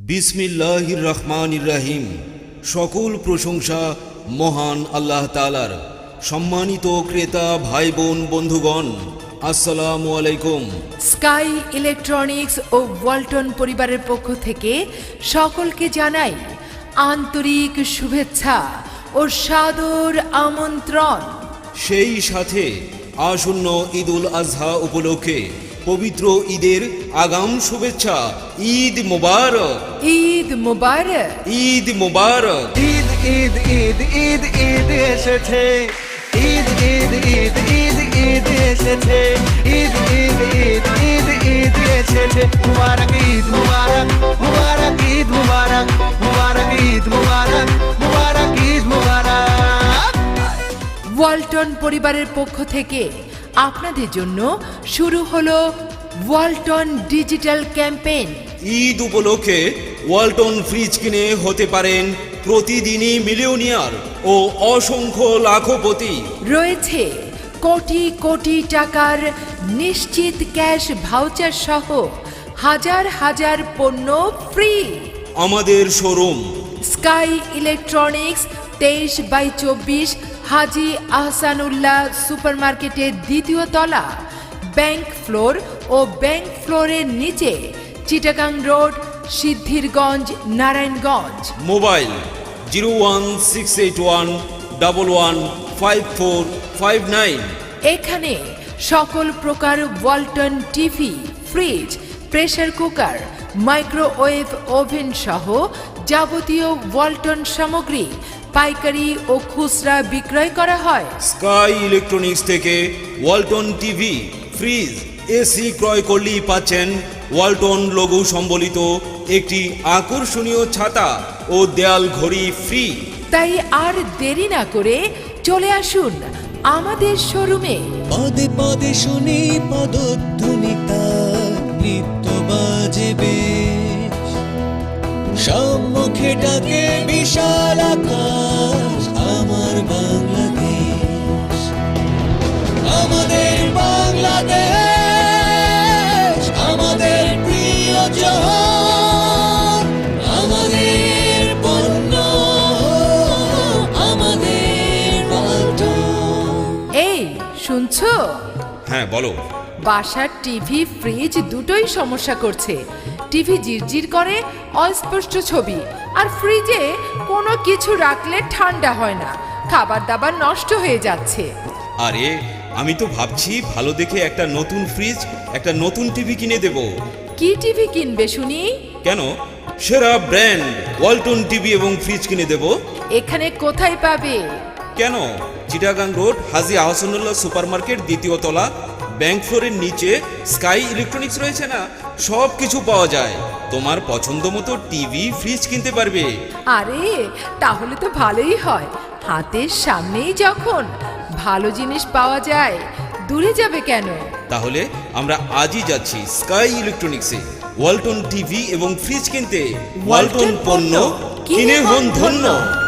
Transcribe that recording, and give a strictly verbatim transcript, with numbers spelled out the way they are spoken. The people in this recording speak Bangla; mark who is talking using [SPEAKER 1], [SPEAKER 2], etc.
[SPEAKER 1] বিসমিল্লাহির রহমানির রহিম। সকল প্রশংসা মহান আল্লাহ তাআলার। সম্মানিত ক্রেতা ভাই বোন বন্ধুগণ, আসসালামু আলাইকুম।
[SPEAKER 2] স্কাই ইলেকট্রনিক্স ও ওয়ালটন পরিবারের পক্ষ থেকে সকলকে জানাই আন্তরিক শুভেচ্ছা ও সাদর আমন্ত্রণ।
[SPEAKER 1] সেই সাথে আসন্ন ঈদুল আজহা উপলক্ষে পবিত্র ঈদের আগাম শুভেচ্ছা। ঈদ মুবারক,
[SPEAKER 2] ঈদ মুবারক,
[SPEAKER 1] ঈদ মুবারক।
[SPEAKER 3] ঈদ ঈদ ঈদ ঈদ ঈদ এসেছে, ঈদ ঈদ ঈদ ঈদ ঈদ এসেছে, ঈদ ঈদ ঈদ ঈদ ঈদ এসেছে। মুবারক ঈদ মুবারক, মুবারক ঈদ মুবারক, মুবারক ঈদ মুবারক, মুবারক ঈদ মুবারক।
[SPEAKER 2] ওয়ালটন পরিবারের পক্ষ থেকে আপনাদের জন্য শুরু হলো ওয়ালটন ডিজিটাল ক্যাম্পেইন।
[SPEAKER 1] ঈদ উপলক্ষে ওয়ালটন ফ্রিজ কিনে হতে পারেন প্রতিদিনই মিলিয়নিয়ার ও অসংখ্য লাখপতি।
[SPEAKER 2] রয়েছে কোটি কোটি টাকার নিশ্চিত ক্যাশ ভাউচার সহ হাজার হাজার পণ্য ফ্রি।
[SPEAKER 1] আমাদের শোরুম
[SPEAKER 2] স্কাই ইলেকট্রনিক্স তেইশ বাই চব্বিশ হাজি আহসানুল্লাহ সুপারমার্কেটের দ্বিতীয় তলা, ব্যাংক ফ্লোর ও ব্যাংক ফ্লোরের নিচে, Chittagong road, Siddhirganj, Narayanganj.
[SPEAKER 1] Mobile zero one six eight one double one five four five nine.
[SPEAKER 2] এখানে সকল প্রকার Walton TV, fridge, pressure cooker, microwave oven সহ যাবতীয় ওয়ালটন সামগ্রী পাইকারি ও খুচরা বিক্রয় করা হয়।
[SPEAKER 1] স্কাই ইলেকট্রনিক্স থেকে ওয়ালটন টিভি, ফ্রিজ, এসি ক্রয় করলেই পাচ্ছেন ওয়ালটন লোগো সম্বলিত একটি আকর্ষণীয় ছাতা ও দেয়াল ঘড়ি ফ্রি।
[SPEAKER 2] তাই আর দেরি না করে চলে আসুন আমাদের শোরুমে।
[SPEAKER 4] পদে পদে শুনি পদধ্বনি তার, নৃত্য বাজে বেশ, সম্মুখে ডাকে বিশাল আকাশ, আমার বাংলাদেশ, আমাদের বাংলাদেশ, আমাদের প্রিয় জহর, আমাদের পণ্য, আমাদের ওয়ালটন।
[SPEAKER 2] এই শুনছো?
[SPEAKER 1] হ্যাঁ বলো।
[SPEAKER 2] বাসার টিভি, ফ্রিজ দুটোই সমস্যা করছে। টিভি জিরজির করে, অস্পষ্ট ছবি, আর ফ্রিজে কোনো কিছু রাখলে ঠান্ডা হয় না, খাবার দাবার নষ্ট হয়ে যাচ্ছে।
[SPEAKER 1] আরে আমি তো ভাবছি ভালো দেখে একটা নতুন ফ্রিজ, একটা নতুন টিভি কিনে দেব।
[SPEAKER 2] কি টিভি কিনবে শুনি?
[SPEAKER 1] কেন, সেরা ব্র্যান্ড ওয়ালটন টিভি এবং ফ্রিজ কিনে দেব।
[SPEAKER 2] এখানে কোথায় পাবে?
[SPEAKER 1] কেন, চিটাগাং রোড, হাজি আহসানুল্লাহ সুপারমার্কেট দ্বিতীয় তলা, ব্যাংক ফ্লোরের নিচে স্কাই ইলেকট্রনিক্স রয়েছে না, সব কিছু পাওয়া যায়। তোমার পছন্দ মতো টিভি, ফ্রিজ কিনতে পারবে।
[SPEAKER 2] আরে তাহলে তো ভালোই হয়, হাতের সামনেই যখন ভালো জিনিস পাওয়া যায়, দূরে যাবে কেন?
[SPEAKER 1] তাহলে আমরা আজই যাচ্ছি স্কাই ইলেকট্রনিক্সে ওয়ালটন টিভি এবং ফ্রিজ কিনতে। ওয়ালটন পণ্য কিনে হন ধন্য।